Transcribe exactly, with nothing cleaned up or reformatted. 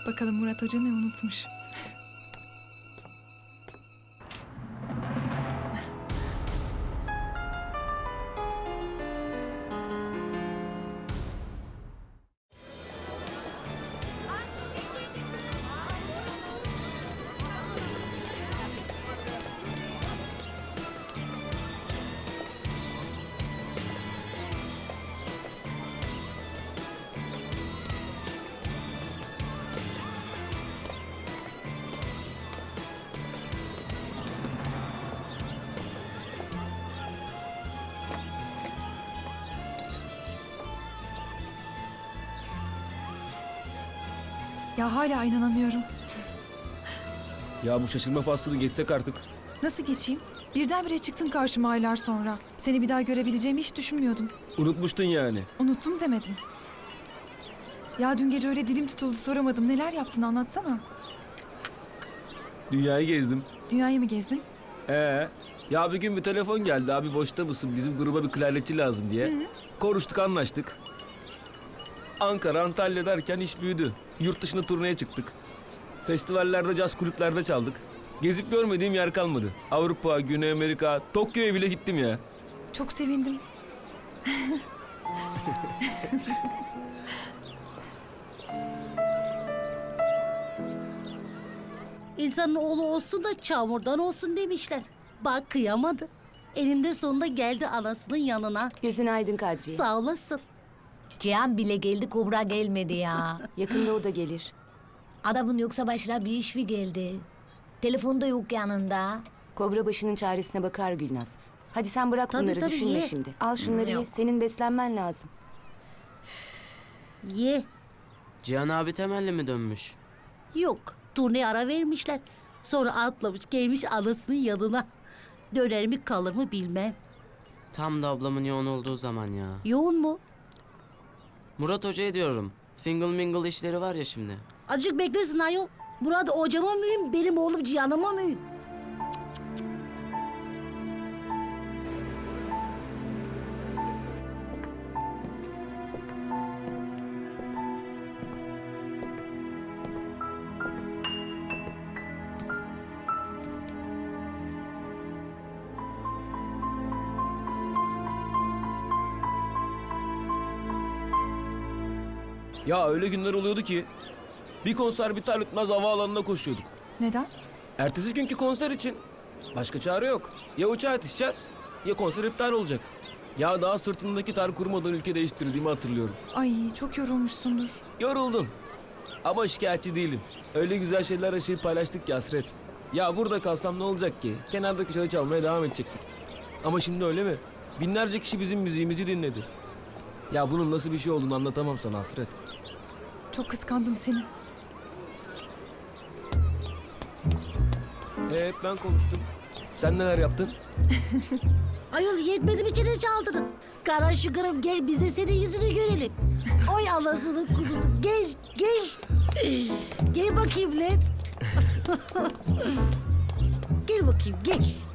Bakalım Murat Hoca ne unutmuş. Ya hala inanamıyorum. Ya bu şaşırma faslını geçsek artık. Nasıl geçeyim? Birdenbire çıktın karşıma aylar sonra. Seni bir daha görebileceğimi hiç düşünmüyordum. Unutmuştun yani. Unuttum demedim. Ya dün gece öyle dilim tutuldu soramadım. Neler yaptın anlatsana. Dünyayı gezdim. Dünyayı mı gezdin? Ee, ya bir gün bir telefon geldi. Abi boşta mısın? Bizim gruba bir klarnetçi lazım diye. Hı. Konuştuk, anlaştık. Ankara, Antalya derken iş büyüdü. Yurt dışına turneye çıktık. Festivallerde, caz kulüplerde çaldık. Gezip görmediğim yer kalmadı. Avrupa, Güney Amerika, Tokyo'ya bile gittim ya. Çok sevindim. İnsanın oğlu olsun da çamurdan olsun demişler. Bak kıyamadı. Eninde sonunda geldi anasının yanına. Gözün aydın Kadriye. Sağ olasın. Cihan bile geldi, Kubra gelmedi ya. Yakında o da gelir. Adamın yoksa başına bir iş mi geldi? Telefonu da yok yanında. Kobra başının çaresine bakar Gülnaz. Hadi sen bırak Tabii, bunları, tabii, düşünme ye. şimdi. Al şunları ye, Yok. senin beslenmen lazım. Ye. Cihan abi temelli mi dönmüş? Yok. Turneye ara vermişler. Sonra atlamış gelmiş anasının yanına. Döner mi kalır mı bilmem. Tam da ablamın yoğun olduğu zaman ya. Yoğun mu? Murat Hoca'ya diyorum. Single mingle işleri var ya şimdi. Azıcık beklesin ayol. Murat hocama mühim, benim oğlum Cihan'ıma mühim. Ya öyle günler oluyordu ki bir konser biter bitmez havaalanına koşuyorduk. Neden? Ertesi günkü konser için başka çare yok. Ya uçağa yetişeceğiz ya konser iptal olacak. Ya daha sırtındaki tar kurumadan ülke değiştirdiğimi hatırlıyorum. Ay çok yorulmuşsundur. Yoruldum. Ama şikayetçi değilim. Öyle güzel şeyler yaşayıp paylaştık ki Hasret. Ya burada kalsam ne olacak ki? Kenardaki çalı çalmaya devam edecektik. Ama şimdi öyle mi? Binlerce kişi bizim müziğimizi dinledi. Ya bunun nasıl bir şey olduğunu anlatamam sana Hasret. Çok kıskandım seni. Ee, hep ben konuştum. Sen neler yaptın? Ayol yetmedi mi çene çaldınız? Kara şıkırım gel biz de senin yüzünü görelim. Oy anasının kuzusu gel gel. Gel bakayım lan. Gel bakayım gel.